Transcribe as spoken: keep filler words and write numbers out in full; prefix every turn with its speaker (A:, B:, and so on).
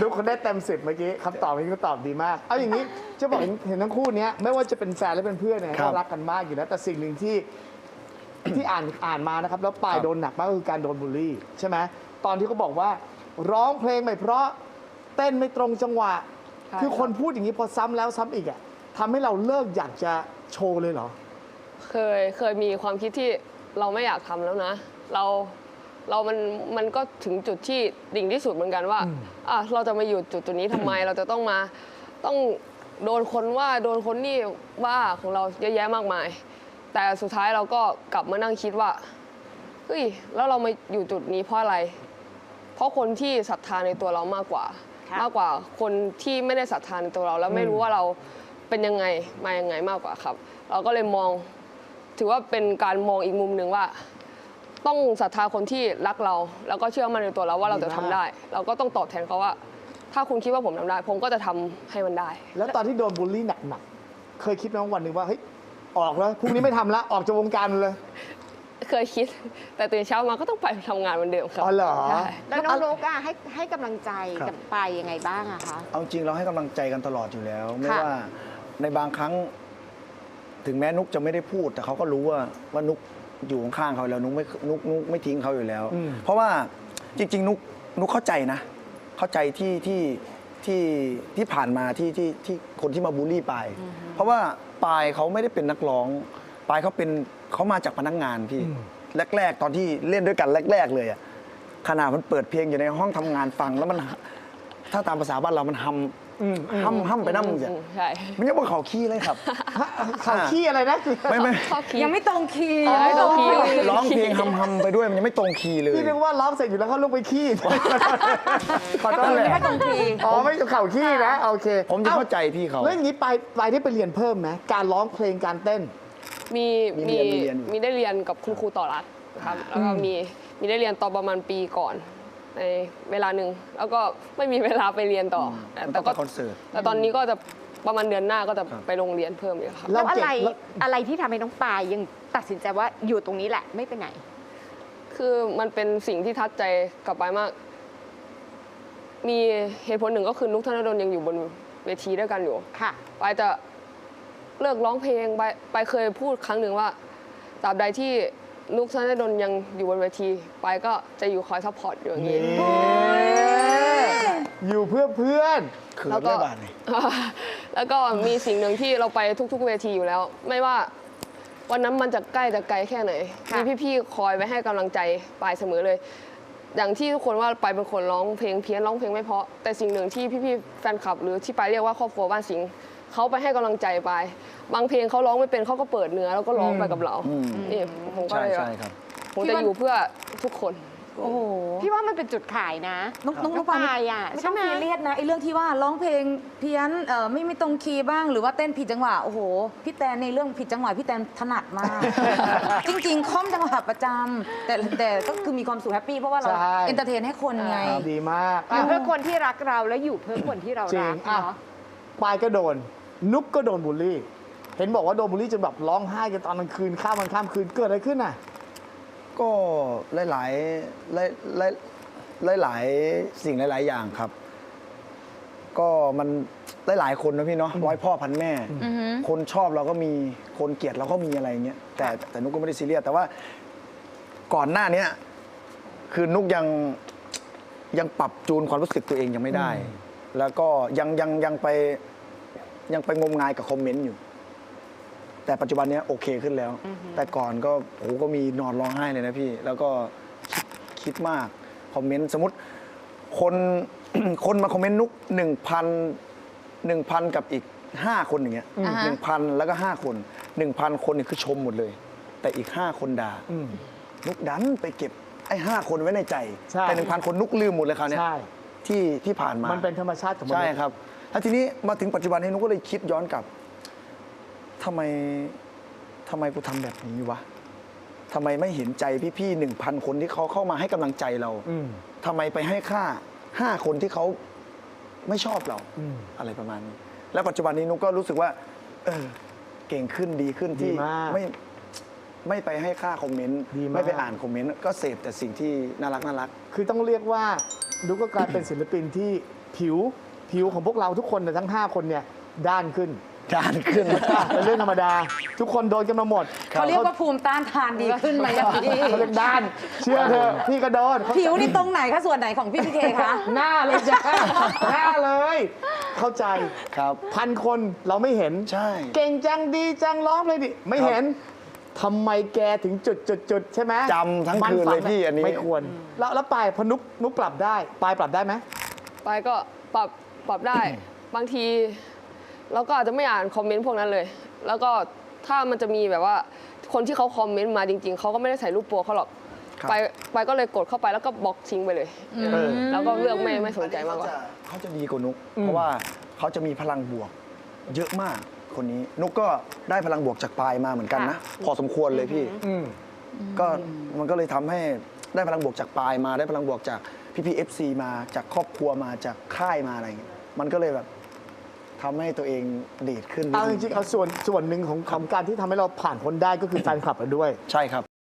A: ดูคนได้เต็มสิบเมื่อกี้คำตอบนี้ก็ตอบดีมาก เอาอย่างนี้จะบอกเห็นทั้งคู่นี้ไม่ว่าจะเป็นแฟนและเป็นเพื่อนเนี่ยก็รักกันมากอยู่แล้วแต่สิ่งหนึ่งที่ที่อ่านอ่านมานะครับแล้วปายโดนหนักมากก็คือการโดนบูลลี่ใช่ไหมตอนที่เขาบอกว่าร้องเพลงไม่เพราะเต้นไม่ตรงจังหวะคือคนพูดอย่างนี้พอซ้ำแล้วซ้ำอีกอ่ะทำให้เราเลิกอยากจะโชว์เลยเหรอ
B: เคยเคยมีความคิดที่เราไม่อยากทำแล้วนะเราเรามันมันก็ถึงจุดที่ดิ่งที่สุดเหมือนกันว่าอ่ะเราจะมาอยู่จุดจุดนี้ทำไม เราจะต้องมาต้องโดนคนว่าโดนคนนี่ว่าของเราเยอะแยะมากมาย แต่สุดท้ายเราก็กลับมานั่งคิดว่าเฮ้ยแล้วเรามาอยู่จุดนี้เพราะอะไร เพราะคนที่ศรัทธาในตัวเรามากกว่ามากกว่าคนที่ไม่ได้ศรัทธาในตัวเราแล้วไม่รู้ว่าเราเป็นยังไงมายังไงมากกว่าครับ เราก็เลยมองถือว่าเป็นการมองอีกมุมหนึ่งว่า ต้องศรัทธาคนที่รักเราแล้วก็เชื่อมั่นในตัวเราว่าเราจะทำได้ เราก็ต้องตอบแทนเขาว่า ถ้าคุณคิดว่าผมทำได้ ผมก็จะทำให้มันได้
A: แล้วตอนที่โดนบูลลี่หนักๆเคยคิดไหมวันหนึ่งว่าเฮ้ยออกแล้วพรุ่งนี้ไม่ทำแล้วออกจากวงการเลย
B: เคยคิด แต่ตื่นเช้ามาก็ต้องไปทำงานเหมือนเดิมครับ
A: อ๋อเหรอ
B: ใช่
C: แล้วน้องนุ๊กอะให้ให้กำลังใจกับปายยังไงบ้างอะคะ
D: เอาจริงเราให้กำลังใจกันตลอดอยู่แล้ว ไม่
C: ค่ะ
D: ว่าในบางครั้ง ถึงแม้นุกจะไม่ได้พูด แต่เขาก็รู้ว่าว่านุกอยู่ข้างๆเขาแล้วนุกไม่นุกนุกไม่ทิ้งเขาอยู่แล้ว เพราะว่าจริง ๆ นุกนุกเข้าใจนะ เข้าใจที่ที่ที่ที่ผ่านมาที่ที่ที่คนที่มาบูลลี่ปายเพราะว่าปายเขาไม่ได้เป็นนักร้องปายเขาเป็นเขามาจากพนักงานพี่แรก ๆ ตอนที่เล่นด้วยกันแรก ๆ เลยอะขนาดมันเปิดเพลงอยู่ในห้องทำงานฟังแล้วมันถ้าตามภาษาบ้านเรามันฮัมฮัมฮัมไปนั่งอย่าง
B: ใช่
D: มันยังบนเขาขี้เลยครับ
A: ข่าวขี้อะไรนะ
D: ไม่ไม่
B: ชอบคิด
E: ยังไม่ตรงคีย์
B: ยังไม่ตรงคีย์
D: ร้องเพลงฮัมฮัมไปด้วยมันยังไม่ตรงคีย์เลย
A: พี่นึกว่าร้องเสร็จอยู่แล้วเขาลงไปขี้ขอโทษเลย
E: ไม่ตรงคีย์
A: อ๋อไม่ข่าวขี้นะโอเค
D: ผมจะเข้าใจพี่เขา
A: แล้วอย่างนี้ไปไปได้ไปเรียนเพิ่มไหมการร้องเพลงการเต้น
B: มี
D: มี
B: มี
D: เรียนมีเรียนอยู่
B: มีได้เรียนกับคุณครูต่อรัฐครับแล้วก็มีมีได้เรียนต่อประมาณปีก่อนในเวลาหนึ่งแล้วก็ไม่มีเวลาไปเรียนต่อแต่
D: มัน
B: แต่
D: ต้อง
B: ก็
D: ไปคอนเสิร์ต
B: แต่ตอนนี้ก็จะประมาณเดือนหน้าก็จะไปโรงเรียนเพิ่มอีกครับ
A: แล้
C: แล้ว วอะ
A: เก่ง
C: ไร
A: แล้ว
C: อะไรที่ทำให้น้องปายยังตัดสินใจว่าอยู่ตรงนี้แหละไม่ไปไหน
B: คือมันเป็นสิ่งที่ทัดใจกลับไปมาก มีเหตุผลหนึ่งก็คือนุกธนดลยังอยู่บนเวทีด้วยกันอยู่
C: ค่ะ
B: ไปจะเลิกร้องเพลงไปไปเคยพูดครั้งหนึ่งว่าตราบใดที่นุกธนดลยังอยู่บนเวทีไปก็จะอยู่คอยซัพพอร์ตอยู่อย่างนี้
A: อยู่เพื่อเพื่อน
D: คือ
B: แล้วก็
D: ได้บาทเลย
B: แล้วก็มีสิ่งหนึ่งที่เราไปทุกๆเวทีอยู่แล้ว ไม่ว่าวันนั้นมันจะใกล้จะไกลแค่ไหน
C: ค่ะ
B: มีพี่ๆคอยไปให้กำลังใจปายเสมอเลย อย่างที่ทุกคนว่าปายเป็นคนร้องเพลงเพี้ยนร้องเพลงไม่เพราะแต่สิ่งหนึ่งที่พี่ๆแฟนคลับ หรือที่ปายเรียกว่าครอบครัวบ้านสิงห์เขาไปให้กำลังใจปายบางเพลงเขาร้องไม่เป็นเขาก็เปิดเนื้อแล้วก็ร้องไปกับเรา
D: อืม
B: นี่ผมก็
D: ใช่
B: เลย
D: ใช่ครับ
B: ผมจะอยู่เพื่อทุกคน
E: โอ้โห
C: พี่ว่ามันเป็นจุดขายนะ
E: น้องน้อง
C: น้
E: น้
C: อ
E: อง งปา
C: ปาย ยอะ
E: ไม่
C: ใช่
E: ต้อง
C: ไหม
E: ซีเรียสนะไอ้เรื่องที่ว่าร้องเพลงเพี้ยนเอ่อไม่ไม่ตรงคีย์บ้างหรือว่าเต้นผิดจังหวะโอ้โหพี่แตนในเรื่องผิดจังหวะพี่แตนถนัดมาก จริงๆค่อมจังหวะประจำแต่แต่ก็คือมีความสุขแฮปปี้เพราะว่าเรา
A: ใช่
E: เอนเตอร์เทนให้คนไง
A: ดีมาก
C: อยู่เพื่อคนที่รักเราแล้วอยู่เพื่อคนที่เรา
A: จริ
C: รั
A: ง
C: ก
A: อ่ะ
C: เนาะ
A: ปายก็โดน นุกก็โดนบูลลี่ เห็นบอกว่าโดนบูลลี่จนแบบร้องไห้กันตอนกลางคืนข้ามวันข้ามคืนเกิดอะไรขึ้นน่ะ
D: ก็หลายหลายหลายหลายหลายหลายๆสิ่งหลาย ๆ อย่างครับ ก็มันหลายหลายๆคนนะพี่เนาะร้อยพ่อพันแม่ คนชอบเราก็มีคนเกลียดเราก็มีอะไรเงี้ยแต่แต่นุกก็ไม่ได้ซีเรียสแต่ว่าก่อนหน้าเนี้ยคือนุกยังยังปรับจูนความรู้สึกตัวเองยังไม่ได้ แล้วก็ยังยังยังไปยังไปงมงายกับคอมเมนต์อยู่ แต่ปัจจุบันเนี้ยโอเคขึ้นแล้ว แต่ก่อนก็โอ้โหก็มีนอนร้องไห้เลยนะพี่ แล้วก็คิดคิดมากคอมเมนต์สมมติคน คนมาคอมเมนต์นุกหนึ่งพันหนึ่งพันกับอีกห้าคนอย่างเงี้ย
E: อ่าฮะ
D: หนึ่งพันแล้วก็ห้าคนหนึ่งพันคนเนี่ยคือชมหมดเลย แต่อีกห้าคนด่า
A: อืม
D: นุกดันไปเก็บไอ้ห้าคนไว้ในใจ
A: ใช่
D: แต่หนึ่งพันคนนุกลืมหมดเลยคราวเนี้ย
A: ใช่
D: ที่ที่ผ่านมา
A: มันเป็นธรรมชาติของมนุษย์
D: ใช่ครับแล้วทีนี้มาถึงปัจจุบันนี้นุกก็เลยคิดย้อนกลับทำไมทำไมกูทำแบบนี้วะทำไมไม่เห็นใจพี่ๆหนึ่งพันคนที่เขาเข้ามาให้กำลังใจเรา
A: อืม
D: ทำไมไปให้ค่าห้าคนที่เขาไม่ชอบเรา
A: อืม
D: อะไรประมาณนี้ แล้วปัจจุบันนี้นุกก็รู้สึกว่า เออ เก่งขึ้นดีขึ้นที่
A: ดีมาก
D: ไม่ไม่ไปให้ค่าคอมเมนต์
A: ดีมาก
D: ไม่ไปอ่านคอมเมนต์ก็เสพแต่สิ่งที่น่ารักน่ารัก
A: คือต้องเรียกว่านุกก็กลายเป็นศิลปินที่ผิวผิวของพวกเราทุกคนเนี่ยทั้ง ห้า คนเนี่ยด้านขึ้น
D: จานขึ้น
A: เป็นเรื่องธรรมดา ทุกคนโดนกันมาหมด
E: เขาเรียกว่าภูมิต้านทานดีขึ้นไหมอะพี่
A: เขาเรียกด้าน เชื่อเถอะพี่ก็โดน
E: ผิวนี่ตรงไหนคะส่วนไหนของพี่พีเคคะ
A: หน้าเลยจ้าหน้าเลย เข้าใจ
D: ครับ
A: พันคนเราไม่เห็น
D: ใช่
A: เก่งจังดีจังร้องเลยดิไม่เห็นทำไมแกถึงจุดจุดจุดใช่ไหม
D: จำทั้ง
A: มั
D: คืน
A: ฝั
D: เลยพี่อันนี้
A: ไม่ควร แล้วแล้วปลายพอนุกนุกปรับได้ปลายปรับได้ไหม
B: ไปก็ปรับปรับได้ บางทีเราก็อาจจะไม่อ่านคอมเมนต์พวกนั้นเลย แล้วก็ถ้ามันจะมีแบบว่าคนที่เขาคอมเมนต์มาจริง ๆเขาก็ไม่ได้ใส่รูปโปรเขาหรอก
D: ครับ
B: ไปไปก็เลยกดเข้าไปแล้วก็บล็อกทิ้งไปเลย
A: เออ
B: แล้วก็เลือกไม่ไม่สนใจมากกว่า
D: เขาจะดีกว่านุก เพราะว่าเขาจะมีพลังบวก เยอะมากคนนี้ นุกก็ได้พลังบวกจากปลายมาเหมือนกันนะ พอสมควรเลยพี่
A: อืม
D: ก็มันก็เลยทำให้ได้พลังบวกจากปลายมาได้พลังบวกจากพี่พีเอฟซีมาจากครอบครัวมาจากค่ายมาอะไรอย่างเงี้ยมันก็เลยแบบทำให้ตัวเองดีดขึ้น
A: เอาจริงๆเอาส่วนส่วนหนึ่งของของการที่ทำให้เราผ่านพ้นได้ก็คือแฟนคลับเราด้วย
D: ใช่ครับ